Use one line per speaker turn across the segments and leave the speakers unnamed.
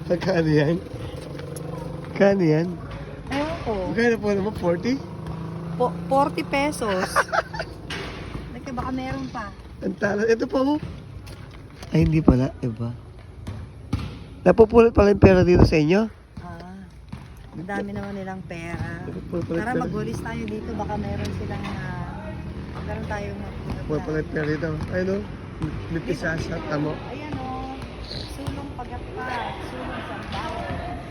Magkano yan? Magkano yan?
Ewan ko.
Magkano po naman? 40?
40 pesos. Like, baka meron pa.
Ang talo. Ito pa mo. Ay, hindi pala. Iba. Napupulot pala yung pera dito sa inyo?
Ang dami naman nilang pera.
Napupulot pala
Tara,
yung pera.
magwalis tayo dito. Baka meron silang meron tayong
Napupulot pala yung pera dito. Ay, no? May pisasa. Tamo.
Ayan o. Sulong pagatpat. Sulong sambaw.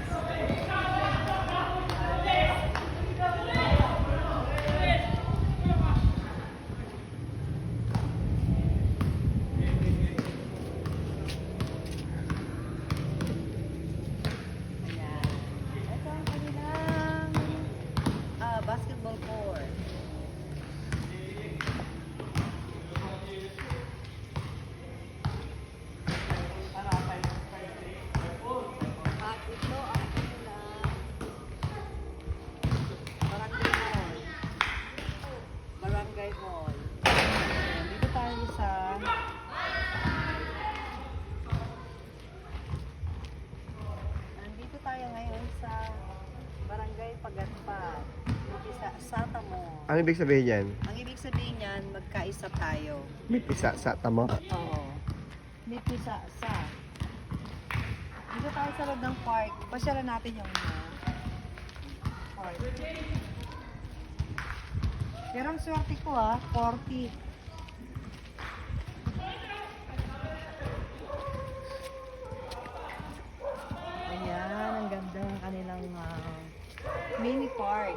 Ayan. Ito ang kanilang basketball court. At ito ang kanilang barangay mall. Ayan, dito tayo sa nandito tayo ngayon sa Barangay Pagatpat. Dito sa Satamo.
Ano ibig sabihin yan?
Ang ibig sabihin niyan, magkaisa tayo.
May pisasa. Tamo.
Oo. May pisa sa. Dito tayo sa loob ng park. Pasyalan natin yung park. Pero ang swerte ko 40. Ayan, ang ganda ng kanilang mini park.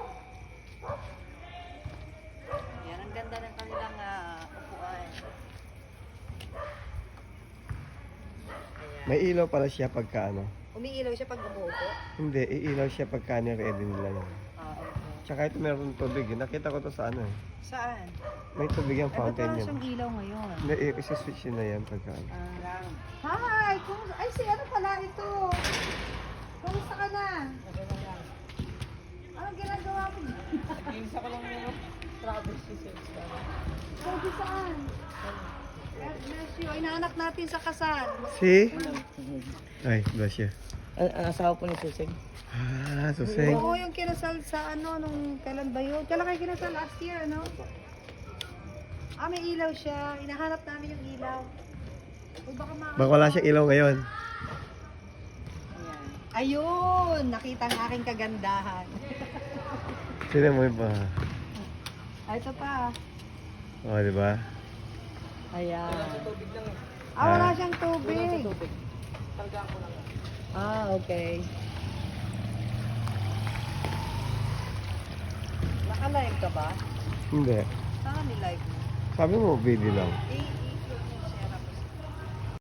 Ayan, ang ganda ng kanilang upuan. Ayan.
May ilaw pala siya pagka ano.
Umiilaw siya pag umuupo.
Hindi, iilaw siya pagka ni-ready nila yun.
Okay.
Tsaka ito meron tubig. Nakita ko to sa ano eh.
Saan?
May tubig yung
Ay, ba't
fountain
wala
yun.
siyang ilaw ngayon?
Hindi, isa-switch yun na yan pagka ano.
Hi! Ay, si ano pala ito? Kumusta ka na? Anong ginagawa mo?
Isa ko lang yung travel seasons ka.
Sabi saan? God bless you. Inaanak natin sa kasal.
Si? Ay, bless you.
Ang asawa po ni Suseng.
Ah, suseng.
Oo, yung kinasal sa ano, nung kailan ba yun? Kailan kayo kinasal? Last year, ano? May ilaw siya. Inahanap namin yung ilaw. O baka
Baka wala siyang ilaw ngayon.
Ayan. Ayun! Nakita ang aking kagandahan.
Sino mo yung pa?
Ito pa.
Oo, di ba?
Ayan.
Tubig lang eh.
Wala
Ah.
siyang tubig.
Tubig. Talagaan ko lang.
Okay. Naka-live ka ba?
Hindi.
Saan ni live mo?
Sabi mo, video lang.
Eh,